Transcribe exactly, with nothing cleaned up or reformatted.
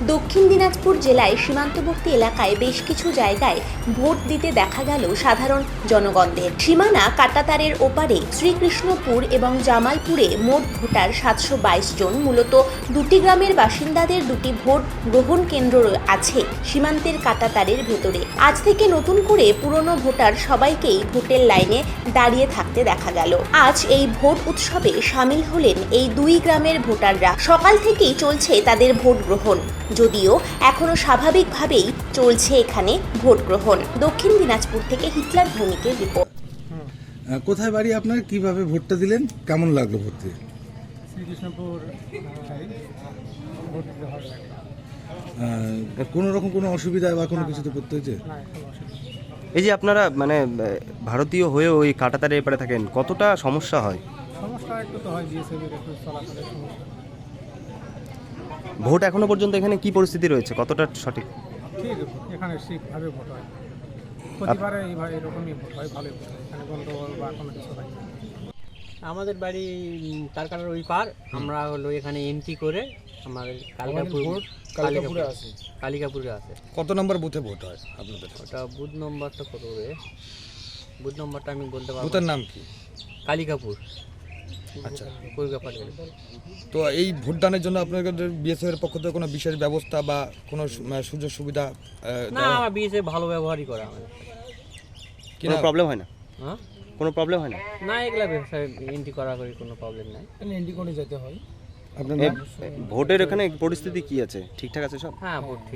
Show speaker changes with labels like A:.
A: দক্ষিণ দিনাজপুর জেলায় সীমান্তবর্তী এলাকায় বেশ কিছু জায়গায় ভোট দিতে দেখা গেল সাধারণ জনগণদের। সীমানা কাঁটাতারের ওপারে শ্রীকৃষ্ণপুর এবং জামালপুরে মোট ভোটার সাতশো বাইশ জন। মূলত দুটি গ্রামের বাসিন্দাদের দুটি ভোট গ্রহণ কেন্দ্র আছে সীমান্তের কাঁটাতারের ভেতরে। আজ থেকে নতুন করে পুরনো ভোটার সবাইকেই ভোটের লাইনে দাঁড়িয়ে থাকতে দেখা গেল। আজ এই ভোট উৎসবে সামিল হলেন এই দুই গ্রামের ভোটাররা। সকাল থেকেই চলছে তাদের ভোট গ্রহণ, যদিও এখনো স্বাভাবিকভাবেই চলছে এখানে ভোট গ্রহণ। দক্ষিণ দিনাজপুর থেকে হিটলার ভৌমিকের রিপোর্ট।
B: কোথায় বাড়ি আপনার? কিভাবে ভোটটা দিলেন? কেমন লাগলো ভোট দিয়ে?
C: শ্রীকৃষ্ণপুর ভোট দিতে ভালো লাগে।
B: কোনো রকম কোনো অসুবিধা বা কোনো কিছুতে পড়তে হয়েছে?
C: না, কোনো অসুবিধা নেই।
D: এই যে আপনারা মানে ভারতীয় হয়ে ওই কাঁটাতারের এপারে থাকেন, কতটা সমস্যা হয়?
C: সমস্যা একটু তো হয়, বিএসএফের একটু চলাচলের সমস্যা।
D: ভোট এখনো পর্যন্ত এখানে কি পরিস্থিতি রয়েছে, কতটা সঠিক?
C: ঠিক এখানে ঠিকভাবে ভোট হয়, প্রতিবারে এইভাবে এরকমই ভোট হয়, ভালোই ভোট হয়, এখানে গন্ডগোল বা কোনো কিছু হয় না।
E: আমাদের বাড়ি তারকাটার ওই পার। আমরা হলো এখানে এন্ট্রি করে আমাদের কালিকাপুর কালিকাপুরে আছে কালিকাপুরে আছে
B: কত নম্বর বুথে ভোট হয় আপনাদের?
E: ওটা বুথ নম্বরটা কত হবে, বুথ নম্বরটা আমি বলতে পারবো।
B: বুথের নাম কি?
E: কালিকাপুর।
B: আচ্ছা,
E: কলকাতা।
B: তো এই ভোটদানের জন্য আপনাদের বিএসএফ এর পক্ষ থেকে কোনো বিশেষ ব্যবস্থা বা কোনো সুযোগ সুবিধা?
E: না, আমার বিএসএ ভালো ব্যবহারই করে আমাদের।
D: কোনো প্রবলেম হয় না?
E: হ্যাঁ,
D: কোনো প্রবলেম হয় না?
E: না, এগুলা ব্যবসায় এন্ট্রি করা করি কোনো প্রবলেম নাই।
C: এন্ট্রি করে যেতে হয়।
B: আপনার
D: ভোটের এখানে পরিস্থিতি কি আছে, ঠিকঠাক আছে সব?
E: হ্যাঁ, ভোট